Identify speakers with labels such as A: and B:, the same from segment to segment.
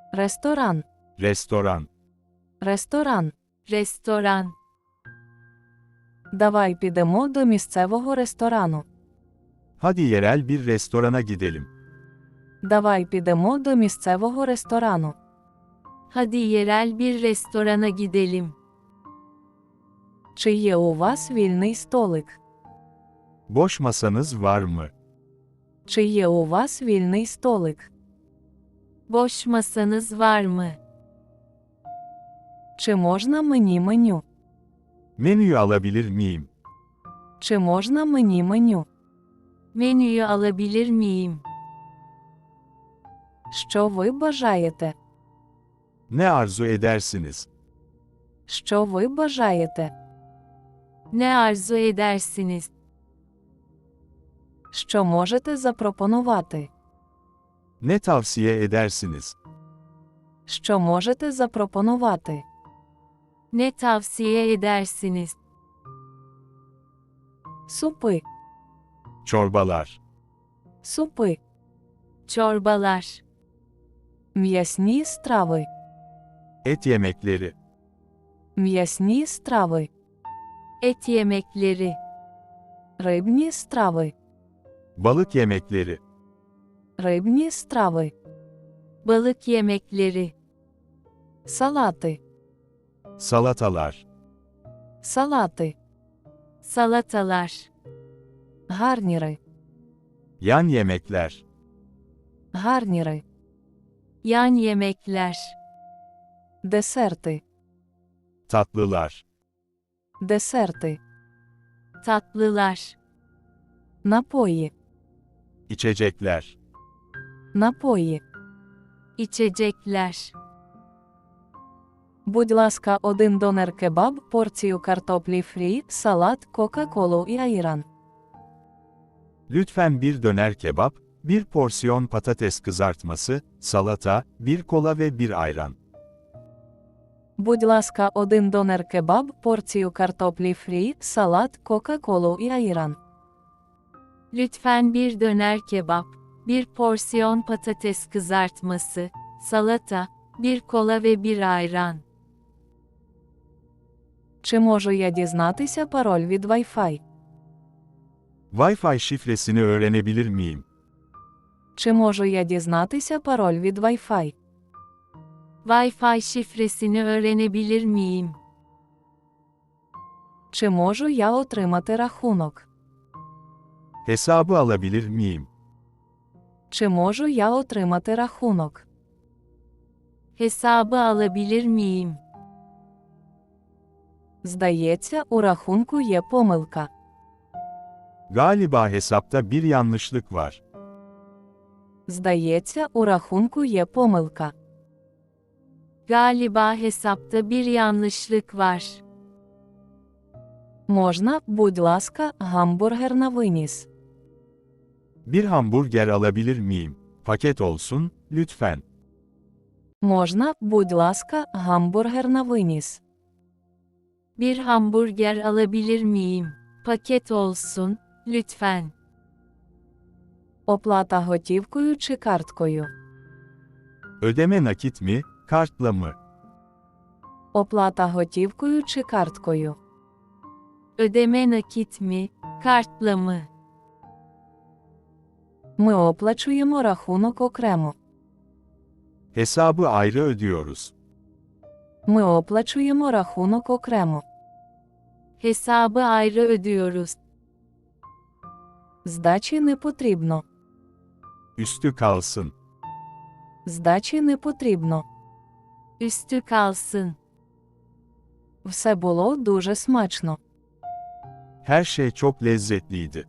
A: Ресторан.
B: Restoran.
A: Ресторан.
C: Restoran.
A: Давай підемо до місцевого ресторану.
B: Hadi yerel bir restorana gidelim.
A: Давай підемо до місцевого ресторану.
C: Hadi yerel bir restorana gidelim.
A: Чи є у вас вільний столик?
B: Boş masanız var mı?
A: Чи є у вас вільний столик?
C: Boş masanız var mı?
A: Чи можна мені меню?
B: Menüyü alabilir miyim?
A: Чи можна мені меню?
C: Menüyü alabilir miyim?
A: Що ви бажаєте?
B: Ne arzu edersiniz?
A: Що ви бажаєте?
C: Ne arzu edersiniz?
A: Що можете запропонувати?
B: Ne tavsiye edersiniz?
A: Що можете запропонувати?
C: Ne tavsiye edersiniz?
A: Супи.
B: Çorbalar.
A: Супи.
C: Çorbalar.
A: М'ясні страви.
B: Et yemekleri.
A: М'ясні страви.
C: Et yemekleri.
A: Рибні страви.
B: Balık yemekleri.
A: Рибні страви.
C: Balık yemekleri.
A: Салати.
B: Salatalar.
A: Салати.
C: Salatalar.
A: Гарніри.
B: Yan yemekler.
A: Гарніри.
C: Yan yemekler.
A: Десерти.
B: Tatlılar.
A: Десерти.
C: Tatlılar.
A: Напої.
B: İçecekler.
A: Напої.
C: İçecekler.
A: Будь ласка, один донер-кебаб, порцію картоплі фрі, салат, кока-колу і айран.
B: Lütfen bir döner kebap, bir porsiyon patates kızartması, salata, bir kola ve bir ayran.
A: Будь ласка, один донер-кебаб, порцію картоплі фрі, салат, кока-колу і айран.
C: Lütfen bir döner kebap, bir porsiyon patates kızartması, salata, bir kola ve bir ayran.
A: Чи можу я дізнатися пароль від Wi-Fi?
B: Wi-Fi şifresini öğrenebilir miyim?
A: Чи можу я дізнатися пароль від Wi-Fi?
C: Wi-Fi şifresini öğrenebilir miyim?
A: Чи можу я отримати рахунок?
B: Hesabı alabilir miyim?
A: Чи можу я отримати рахунок?
C: Hesabı alabilir miyim?
A: Здається, у рахунку є помилка.
B: Galiba hesapta bir yanlışlık var.
A: Здається, у рахунку є помилка.
C: Galiba hesapta bir yanlışlık var.
A: Можна, будь ласка, гамбургер на виніс?
B: Bir hamburger alabilir miyim? Paket olsun, lütfen.
A: Можна, будь ласка, гамбургер на виніс?
C: Bir hamburger alabilir miyim? Paket olsun, lütfen.
A: Оплата готівкою чи карткою?
B: Ödeme nakit mi, kartla mı?
A: Оплата готівкою чи карткою?
C: Ödeme nakit mi, kartla mı?
A: Ми оплачуємо рахунок окремо.
B: Hesabı ayrı ödüyoruz.
A: Ми оплачуємо рахунок окремо.
C: Hesabı ayrı ödüyoruz.
A: Здачі не потрібно.
B: Üstü kalsın.
A: Здачі не потрібно.
C: Üstü kalsın.
A: Все було дуже смачно.
B: Her şey çok lezzetliydi.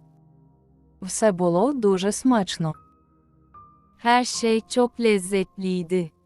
A: Все було дуже смачно.
C: Her şey çok lezzetliydi.